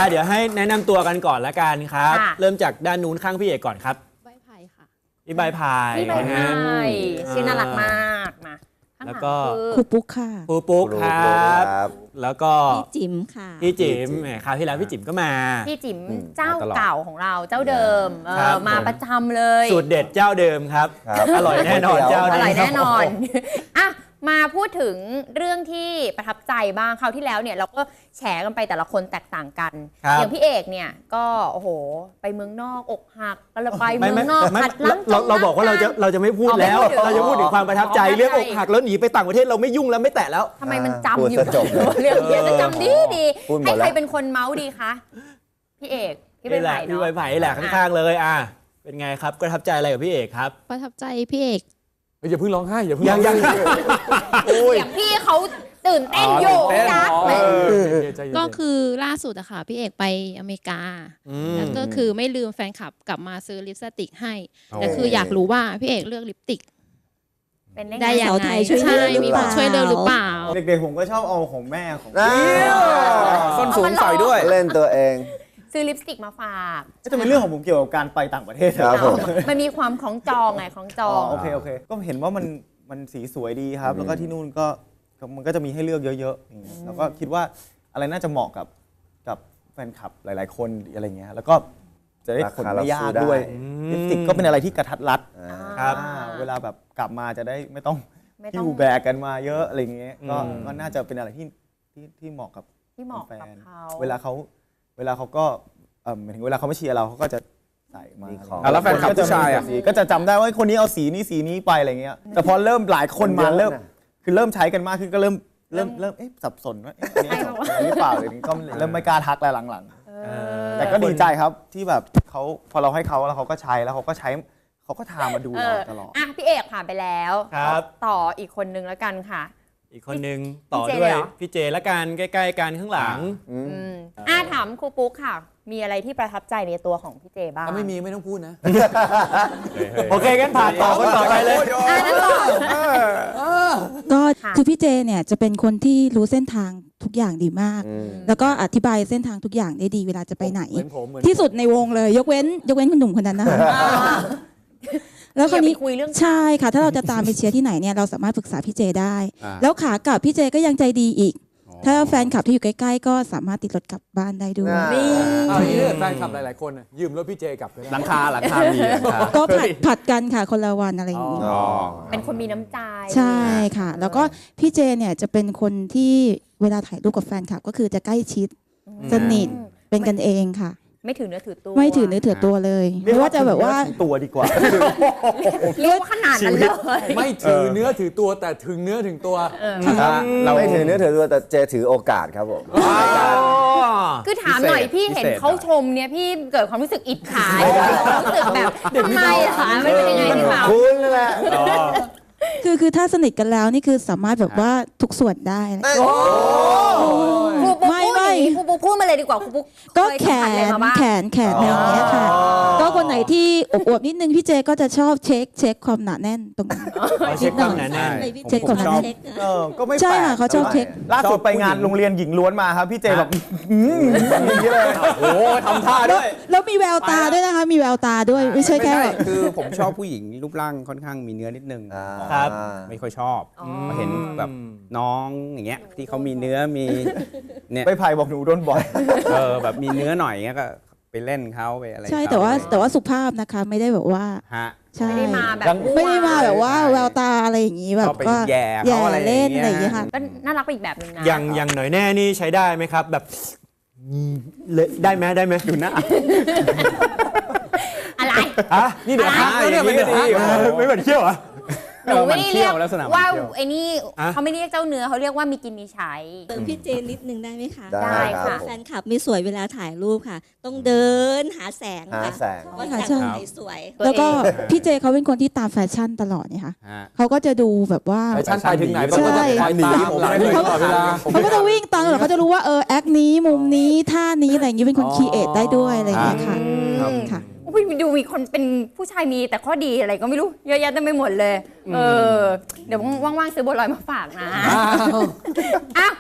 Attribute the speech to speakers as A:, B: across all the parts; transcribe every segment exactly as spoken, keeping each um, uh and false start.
A: เดี๋ยวให้แนะนำตัวกันก่อนละกันครับเริ่มจากด้านนู้นข้างพี่เอกก่อนครับ
B: ใบไผ่ค่ะ
A: พี่ใบพาย
C: พี่ใบพายชื่อน่ารักมากมา
A: แล้วก็
B: ครูปุ๊กค่ะ
A: ครูปุ๊กครับแล้วก็
B: พี่จิ๋มค่ะ
A: พี่จิ๋มแหมคราวที่แล้วพี่จิ๋มก็มา
C: พี่จิ๋มเจ้าเก่าของเราเจ้าเดิมมาประจำเลย
A: สูตรเด็ดเจ้าเดิมครับอร่อยแน่นอนเจ้า
C: อร่อยแน่นอนอ่ะมาพูดถึงเรื่องที่ประทับใจบ้างคราวที่แล้วเนี่ยเราก็แฉกันไปแต่ละคนแตกต่างกันอย่างพี่เอกเนี่ยก็โอ้โหไปเมืองนอกอกหักก็เลยไปเมืองนอกขัดล้าง
A: เราเราบอกว่าเราจะเราจะไม่พูดแล้วเราจะพูดถึงความประทับใจเรื่องอกหักแล้วหนีไปต่างประเทศเราไม่ยุ่งแล้วไม่แตะแล้ว
C: ทำไมมันจำอยู่เรื่องนี้จะจำดีดีให้ใครเป็นคนเมาส์ดีคะพี่เอกพี่ใบไผ่เนาะ
A: พี่ใบไผ่แหละข้างๆเลยอ่ะเป็นไงครับประทับใจอะไรกับพี่เอกครับ
B: ประทับใจพี่เอก
D: อย่าเพิ่งร้องไห้อย่าเพิ่ง
A: ยังยัง
C: อย่างพี่เขาตื่นเต้นอยู่นะ
B: ก็คือล่าสุดอะค่ะพี่เอกไปอเมริกาแล้วก็คือไม่ลืมแฟนคลับกลับมาซื้อลิปสติกให้แต่คืออยากรู้ว่าพี่เอกเลือกลิปสติกได้อย่างไรใช่มีคนช่วยเลือกหรือเปล่า
E: เด็กๆผมก็ชอบเอาของแม่ของ
D: ส้นสูงใส่ด้วย
F: เล่นตัวเอง
C: ซื้อลิปสติกมาฝาก
E: จะเป็นเรื่องของผมเกี่ยวกับการไปต่างประเทศ
F: ครับผม
C: มันมีความของจองไงของจอง
E: โอเคโอเคก็เห็นว่ามันมันสีสวยดีครับแล้วก็ที่นู่นก็มันก็จะมีให้เลือกเยอะๆแล้วก็คิดว่าอะไรน่าจะเหมาะกับกับแฟนคลับหลายๆคนอะไรเงี้ยแล้วก็จะได้ขนไม่ยากด้วยลิปสติกก็เป็นอะไรที่กระทัดรัดครับเวลาแบบกลับมาจะได้ไม่ต้องที่หูแบกกันมาเยอะอะไรเงี้ยก็ก็น่าจะเป็นอะไรที่ที่ที่เหมาะกับ
C: ที่เหมาะกับเขา
E: เวลาเขาเวลาเขาก็หมายถึงเวลาเขาไม่เชียร์เราเขาก็จะใส่มา
D: แล้วแฟนคลับผู้ชายอ่ะ
E: ก็จะจำได้ว่าคนนี้เอาสีนี้สีนี้ไปอะไรเงี้ยแต่พอเริ่มหลายคนมาเริ่มคือเริ่มใช้กันมากขึ้นก็เริ่มเริ่มเริ่มเอ๊ะสับสนว่าอันนี้หรือเปล่าหรือก็เริ่มไม่กล้าทักแล้วหลังๆแต่ก็ดีใจครับที่แบบเขาพอเราให้เขาแล้วเขาก็ใช้แล้วเขาก็ใช้เขาก็ทามาดูเราตลอด
C: อ่ะพี่เอกผ่านไปแล้วต่ออีกคนนึงแล้วกันค่ะ
A: อีกคนนึงต่อด้วยพี่เจละกันใกล้ๆกันข้างหลัง
C: อ่าถามครูปุ๊กค่ะมีอะไรที่ประทับใจในตัวของพี่เจบ้าง
D: ถ้าไม่มีไม่ต้องพูดนะ
A: โอเคงั้นผ่านต่อคนต่อไปเลย
B: ก็คือพี่เจเนี่ยจะเป็นคนที่รู้เส้นทางทุกอย่างดีมากแล้วก็อธิบายเส้นทางทุกอย่างได้ดีเวลาจะไปไหนที่สุดในวงเลยยกเว้นยกเว้นคุณหนุ่มคนนั้นนะคะแล้วคราวนี้ใช่ค่ะถ้าเราจะตามไปเชียร์ที่ไหนเนี่ยเราสามารถปรึกษาพี่เจได้แล้วขากลับพี่เจก็ยังใจดีอีกถ้าแฟนคลับที่อยู่ใกล้ๆก็สามารถติดรถกลับบ้านได้ด้วย
D: นี่แฟนคลับหลายๆคนยืมรถพี่เจกลับ
A: หลังคาหลังคามี
B: ก็ผัดผัดกันค่ะคนละวันอะไรอย่างนี้
C: เป็นคนมีน้ำใจ
B: ใช่ค่ะแล้วก็พี่เจเนี่ยจะเป็นคนที่เวลาถ่ายรูปกับแฟนคลับก็คือจะใกล้ชิดสนิทเป็นกันเองค่ะ
C: ไม่ถือเนื้อถือตัว
B: ไม่ถือเนื้อถือตัวเลยไม่ว่าจะแบบว่า
E: ตัวดีกว่า
C: เรียกว่าขนาดนั้นเลย
D: ไม่ถือเนื้อถือตัวแต่ถึงเนื้อถึงตัว
F: เราไม่ถือเนื้อถือตัวแต่เจถือโอกาสครับผม
C: คือถามหน่อยพี่เห็นเขาชมเนี่ยพี่เกิดความรู้สึกอิจฉาความรู้สึกแบบทำไมคะมันเป็นยังไงพี่บ่าว
F: คุณนั่นแหละ
B: คือคือถ้าสนิทกันแล้วนี่คือสามารถแบบว่าทุกส่วนได้
C: ครูปุ๊กพูดครูปุ๊กพูดมาเลยดีกว่าครูปุ๊ก
B: ก็แขนแขนแขนอะไรอย่างเงี้ยค่ะก็คนไหนที่อวบๆนิดนึงพี่เจก็จะชอบเช็คเช็คความหนาแน่นตรงนี้
A: เช็คความหนาแน่น
B: เช็คความหนาแน่น
E: เออก็ไม่
B: ใช่ค่ะเขาชอบเช็ค
E: ล่าสุดไปงานโรงเรียนหญิงล้วนมาครับพี่เจแบบอย่างนี้เลย
A: โอ้ทำท่าด้วย
B: แล้วมีแววตาด้วยนะคะมีแววตาด้วยไม่ใช่แค่
D: คือผมชอบผู้หญิงรูปร่างค่อนข้างมีเนื้อนิดนึง
A: ครับ
D: ไม่ค่อยชอบเห็นแบบน้องอย่างเงี้ยที่เขามีเนื้อมี
E: เนี่ยไปไผ่บอกหนูโดนบ่อย
D: เออแบบมีเนื้อหน่อยเงี้ยก็ไปเล่นเขาไปอะไร
B: ใช่แต่ว่าแต่ว่าสุภาพนะคะไม่ได้แบบว่า
D: ฮะ
C: ไม่ได้มาแบบ
B: ไม่ได้มาแบบว่าแววตาอะไรอย่างงี้แบบก็
D: แย่
B: แย่เล่นอะไรอย่างเงี้ยค่ะ
C: ก็น่ารักไปอีกแบบนึงนะ
A: อย่างอย่างหน่อยแน่นี่ใช้ได้ไหมครับแบบได้ไหมได้ไหม
D: ดูหน้า
C: อะไร
A: ฮะนี่เดี๋ยวเนี่ยไม่ได้ไม่เหมือนเขี้ยวอ่ะ
C: หนูไม่ได้เรียกว่าไอ้นี่เขาไม่เรียกเจ้าเนื้อเขาเรียกว่ามีกินมีใช้
B: เติมพี่เจนิดนึงได้ไหมคะ
C: ได้ค่ะ
B: แฟนคลับไม่สวยเวลาถ่ายรูปค่ะต้องเดินหาแสง
F: หาแสง
B: ว่าถ่ายช่องไหนสวยแล้วก็พี่เจเขาเป็นคนที่ตามแฟชั่นตลอดเนี่ยค่ะเขาก็จะดูแบบว่า
D: แฟชั่นไปถึงไหนเขาก็จะคอยตาม
B: เขาเขาก็จะวิ่งตามตลอดเขาจะรู้ว่าเออแอคนี้มุมนี้ท่านี้อะไรอย่างนี้เป็นคนคีเอทได้ด้วยอะไรอย่างเงี้ยค่ะค่ะ
C: ดูมีคนเป็นผู้ชายมีแต่ข้อดีอะไรก็ไม่รู้เยอะแยะเต็มไปหมดเลยเออเดี๋ยวว่างๆซื้อบัวลอยมาฝากนะอ้าวพี่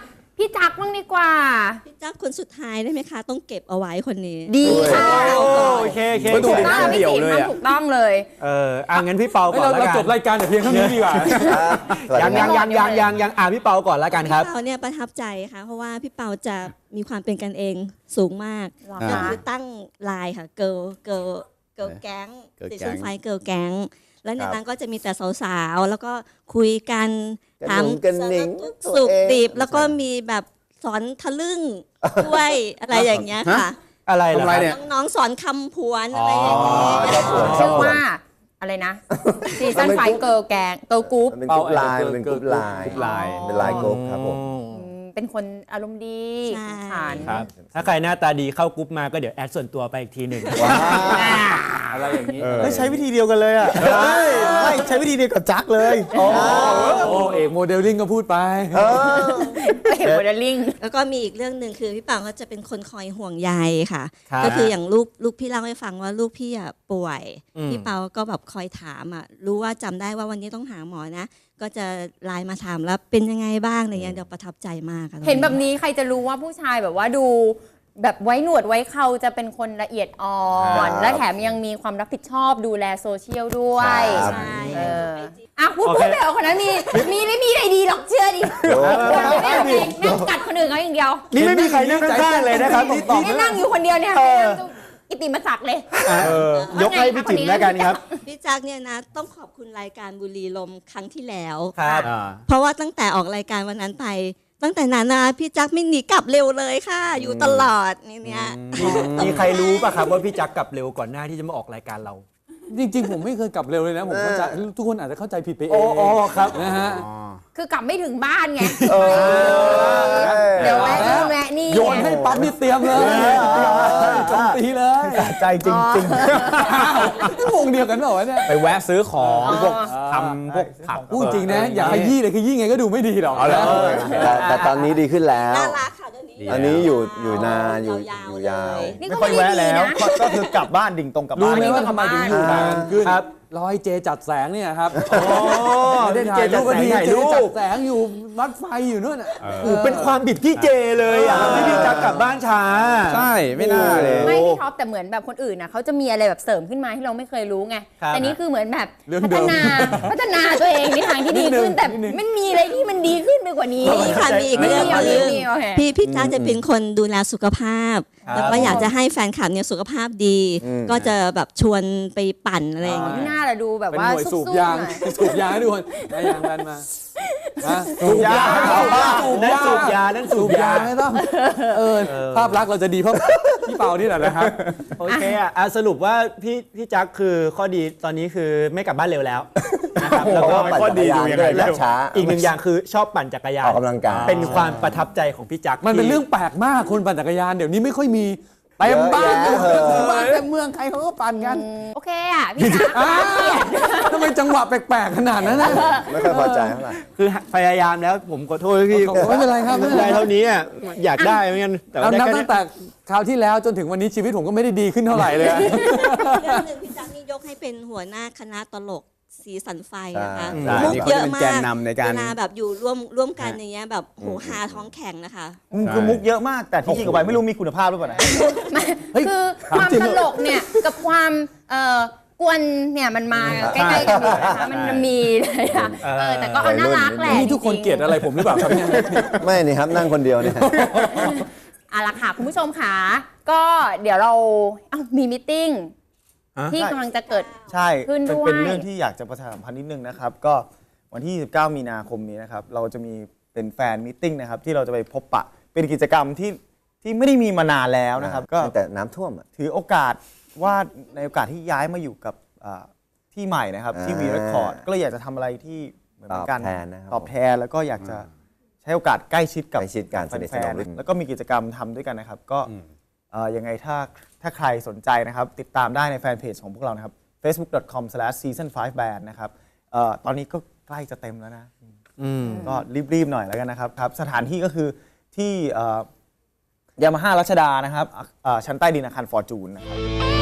C: พี่จักรบ้างดีกว่า
G: พี่จักคนสุดท้ายได้ไหมคะ ต้องเก็บเอาไว้คนนี้
C: ดีค่ะ
A: โอเคโอเค
D: ไม่ถู
C: ถู
D: ก
C: กต้องพี่จิ๋มทำถูกต้องเลย
A: เอออ่ะงั้นพี่เปาก่อน
H: เรา
A: แล้ว
H: เรา
A: กัน
H: จบรายการแต่เพียงเท่านี้ดีกว่า
A: ยังยังยังยังยังยังอ่ะพี่เปาก่อนแล้วกันครับ
G: พี่เปาเนี่ยประทับใจค่ะ เพราะว่าพี่เปาจะมีความเป็นกันเองสูงมาก
C: หรอ
G: ก็
C: คะ
G: คือตั้งไลน์ค่ะเกิร์ลเกิร์ลเกิร์ลแก๊ง
D: Girl
G: ซี
D: Gang
G: ซั่นไฟเกิร์ลแก๊งแล้วใน
F: ครับ
G: นั้นก็จะมีแต่สาวๆ แล้วก็คุยกัน
F: กระ
G: ถาม
F: หนุงกระหนิง
G: สุขดิบ
F: ตัวเอง
G: แล้วก็มีแบบสอนทะลึ่งด้วยอะไรอย่างเงี้ยค่ะ
A: อะไรล่ะ
D: ทำอะไร
A: ครับ
D: เนี่ย
G: น้องๆสอนคำผวนอะไรอย่างเงี้ย
C: ชื่อว่าอะไรนะซีซั่นไฟเกิร์ลแกงเกิร์ลกรุ๊ป
F: มันเป็นกรุ๊ปไลน์มันเป็นกรุ๊ปไลน์
D: กรุ๊ปไลน์
F: เป็นไลน์กรุ๊ปครับผม
C: เป็นคนอารมณ์ดี
G: ใช่
C: ขัน
A: ครับ ถ้าใครหน้าตาดีเข้ากรุ๊ปมาก็เดี๋ยวแอดส่วนตัวไปอีกทีหนึ่ง
H: อะไรอย่างนี้
E: เฮ้ยใช้วิธีเดียวกันเลยอ่ะไม่ใช้วิธีเดียวกับจักเลย
H: โอ้เอกโมเดลลิ่งก็พูดไป
C: เห็นโมเดลลิ่ง
G: แล้วก็มีอีกเรื่องหนึ่งคือพี่เปาเขาจะเป็นคนคอยห่วงใยค่ะ
A: ครับ
G: ก็คืออย่างลูกลูกพี่เล่าให้ฟังว่าลูกพี่อ่ะป่วย
A: อืม
G: พี่เปาก็แบบคอยถามอ่ะรู้ว่าจำได้ว่าวันนี้ต้องหาหมอนะ ก็จะไลน์มาถามแล้วเป็นยังไงบ้างอะไรเงี้ยเดี๋ยวประทับใจมากค่ะ
C: เห็นแบบนี้ใครจะรู้ว่าผู้ชายแบบว่าดูแบบไว้หนวดไว้เขาจะเป็นคนละเอียดอ่อ
F: ครั
C: น
F: บ
C: และแถมยังมีความรับผิดชอบดูแลโซเชียลด้วย
F: ครับ
G: ใช่
C: เอออ่ะพูดพูดไปเอาคนนั้นมีมีไม่มีอะไรดีหรอกเชื่อดินั่งกัดคนอื่นเขาอย่างเดียว
A: นี่ไม่มีใครนั่งข้างๆเลยนะครับนี่นี่
C: นี่นั่งอยู่คนเดียวเนี่ย
A: เออ
C: กิตติมศักดิ์เลย
A: เออยกให้พี่จิ๋มแล้วกันครับ
G: พี่จักเนี่ยนะต้องขอบคุณรายการบุรีลมครั้งที่แล้ว
A: ครับ
G: เพราะว่าตั้งแต่ออกรายการวันนั้นไป ตั้งแต่นั้นนะพี่จักไม่หนีกลับเร็วเลยค่ะ อยู่ตลอดนี่เนี่ย
A: มีใครรู้ป่ะครับว่าพี่จักรกลับเร็วก่อนหน้าที่จะมาออกรายการเรา
H: จริงๆ ผมไม่เคยกลับเร็วเลยนะ ผมเข้าใจทุกคนอาจจะเข้าใจผิดไปเอ
A: โอ้
H: ง
A: โอ้ครับ
H: นะฮะ
C: คือกลับไม่ถึงบ้านไง
F: เออ
C: เดี๋ยวแวะนู่นแวะนี่
H: โยนให้ปั๊บนี่เตรียมเลยโจมตีเลย
E: ใจจริง
H: วงเดียวกันเหรอวะเนี่ย
D: ไปแวะซื้อของพวกทำพวกผัก
H: พูดจริงนะ อย่าขยี้เลยขยี้ไงก็ดูไม่ดีหรอก
D: เอาเหรอ
F: แต่แต่ตอนนี้ดีขึ้นแล้ว
G: น่ารักค่ะเดี๋ยวนี้
F: อันนี้อยู่อยู่นานอยู่
G: ยาวๆ
F: อยู่ยาว
G: เลย
E: ๆ
C: นี่
E: ไม่
C: ก็
E: ค่อย
C: ไม่ได้
E: แวะ
C: ดี
E: แล้ว
C: นะ
E: ก็ก็คือกลับบ้านดิ่งตรงกลับ
H: รู้
E: บ้าน
H: ไหมว่าทำไมถึงอยู่นานขึ้น
A: ครับ
H: รอยเจจัดแสงเนี่ยครับ
A: โอ้
H: ไม่ได้ถ่ายรูป
A: เจ
H: กัน
A: จัดแสง
H: ที
A: ถ่าย
H: เจ
A: รูป
H: จัดแสงอยู่วัดไฟอยู่นู่นอ่ะ
A: โอ้เป็นความผิดพี่เจเลยอ่ะที่พี่จักรกลับบ้านช้า
D: ใช่ไม่น่าเลย
C: ไม่พี่ท็อปแต่เหมือนแบบคนอื่นนะเขาจะมีอะไรแบบเสริมขึ้นมาที่เราไม่เคยรู้ไง
A: ครับ
C: แต่นี่คือเหมือนแบบ
H: เรื่อง
C: พั
H: เดิ
C: ฒ
H: ม
C: นาพัฒนาตัวเองในทางที่ดีขึ้นแต่มันมีอะไรที่มันดีขึ้นไปกว่านี้
G: มีค่ะมีอีกเรื่อง
C: ไม่
G: ห
C: มี
G: นึง
C: ไม่มีโอเค
G: พี่พี่จ้าจะเป็นคนดูแลสุขภาพ
A: ครับ
G: แล้วก็อยากจะให้แฟนคลับเนี่ยสุขภาพดี
F: อืม
G: ก็จะแบบชวนไปปั่นอะไรอย่าง
C: ไม่
G: เงี้ย
C: น่าละดูแบบ
H: เป็น
C: ว่า
H: หน่วยสู
C: สู้
H: บ
C: ๆ
H: ยาง
C: หน่อย
H: สูบยางให้ดูคนได้ยางแบนมาฮะ
A: สูบยานั่นสูบยานั่นสู
H: สู
A: บบ ยาย
H: างไม่ต้องเออภาพลักษณ์เราจะดีเพราะพี่เปานี่แหละนะครับ
A: โอเคอ่ะอ่ะสรุปว่าพี่พี่จักรคือข้อดีตอนนี้คือไม่กลับบ้านเร็วแล้วนะครับแล้วก็
F: ปั่นจักรยานด้วยและช้า
A: อีกหนึ่งอย่างคือชอบปั่นจักรยาน
F: ออกกำลังกาย
A: เป็นความประทับใจของพี่จักร
H: มันเป็น
A: ที่
H: เรื่องแปลกมากคนปั่นจักรยานเดี๋ยวนี้ไม่ค่อยมีเต็มบ้าน
F: เยอะแยะ
H: เต็มบ้านเต็มเมืองใครเขาก็ปั่นกัน
C: โอเคอ่ะพี่จักร
H: อ้าวทำไมจังหวะแปลกๆขนาดนั้นนะ
F: ไม่ค่อยพอใจเท่าไหร่
A: คือพยายามแล้วผมขอโทษพี่
H: ไม่เป็นไรครับไม่เป็นไร
A: ได้เท่านี้อ่ะอยากได้เหมือนกันแต่
H: เอา
A: ว่าได้
H: นับ
A: แค่
H: ตั้
A: นี้
H: งแต่คราวที่แล้วจนถึงวันนี้ชีวิตผมก็ไม่ได้ดีขึ้นเท่าไหร่เลยอะ
G: เรื่องหนึ่งพี่จักนี่ยกให้เป็นหัวหน้าคณะตลกสีสันไฟนะคะ
F: ใช่
G: มุก
D: นี่
G: เย
D: เขา
G: อะ
D: จะเป็น
G: มา
D: แก
G: ก
D: นนำในการ
G: เวลาแบบอยู่ร่วมร่วมกันอย่างเงี้ยแบบโหฮาท้องแข็งนะคะ
E: อืมคือมุกเยอะมากแต่ที่จริงเอาไว้ไม่รู้มีคุณภาพหรือเปล่านะ
C: คือความตลกเนี่ยกับความเอ่อกวนเนี่ยมันมาใกล้ๆกันอยู่นะคะมันมีเลยอะเออแต่ก็เอาน่ารักแหละ
H: นี่ทุกคนเกลียดอะไรผมหรือเปล่าครับเนี่ย
F: ไม่นี่ครับนั่งคนเดียวเนี่ย
C: เอาละค่ะคุณผู้ชมค่ะก็เดี๋ยวเราเอ้ามีมิทติ้งที่กำลังจะเกิด
E: ใช่
C: ขึ้น
E: เป็น
C: ด้วย
E: เป็นเรื่องที่อยากจะประชาสัมพันธ์นิดนึงนะครับ ก็วันที่ยี่สิบเก้ามีนาคมนี้นะครับ เราจะมีเป็นแฟนมิทติ้งนะครับ ที่เราจะไปพบปะ เป็นกิจกรรมที่ที่ไม่ได้มีมานานแล้วนะครับ ก็
F: แต่น้ำท่วมอ่ะ
E: ถือโอกาสว่าในโอกาสที่ย้ายมาอยู่กับอ่าที่ใหม่นะครับ ที่
F: อ่า
E: วีรคอร์ดก็เลยอยากจะทำอะไรที่เหมือนกัน
F: ตอบแทนนะครับ
E: ตอบแทนแล้วก็อยากจะใช้โอกาสใกล้ชิดกับ
F: ใกล้ชิดกันสนิทสนม
E: แฟนๆแล้วก็มีกิจกรรมทำด้วยกันนะครับ ก็เอ่อยังไงถ้าถ้าใครสนใจนะครับ ติดตามได้ในแฟนเพจของพวกเรานะครับ เฟซบุ๊ก ดอท คอม สแลช ซีซั่น ไฟว์ แบนด์ นะครับเอ่อตอนนี้ก็ใกล้จะเต็มแล้วนะ ก็รีบ ๆ หน่อยแล้วกันนะครับครับ สถานที่ก็คือที่ยามาฮ่ารัชดานะครับอ่าชั้นใต้ดินอาคารฟอร์จูนนะครับ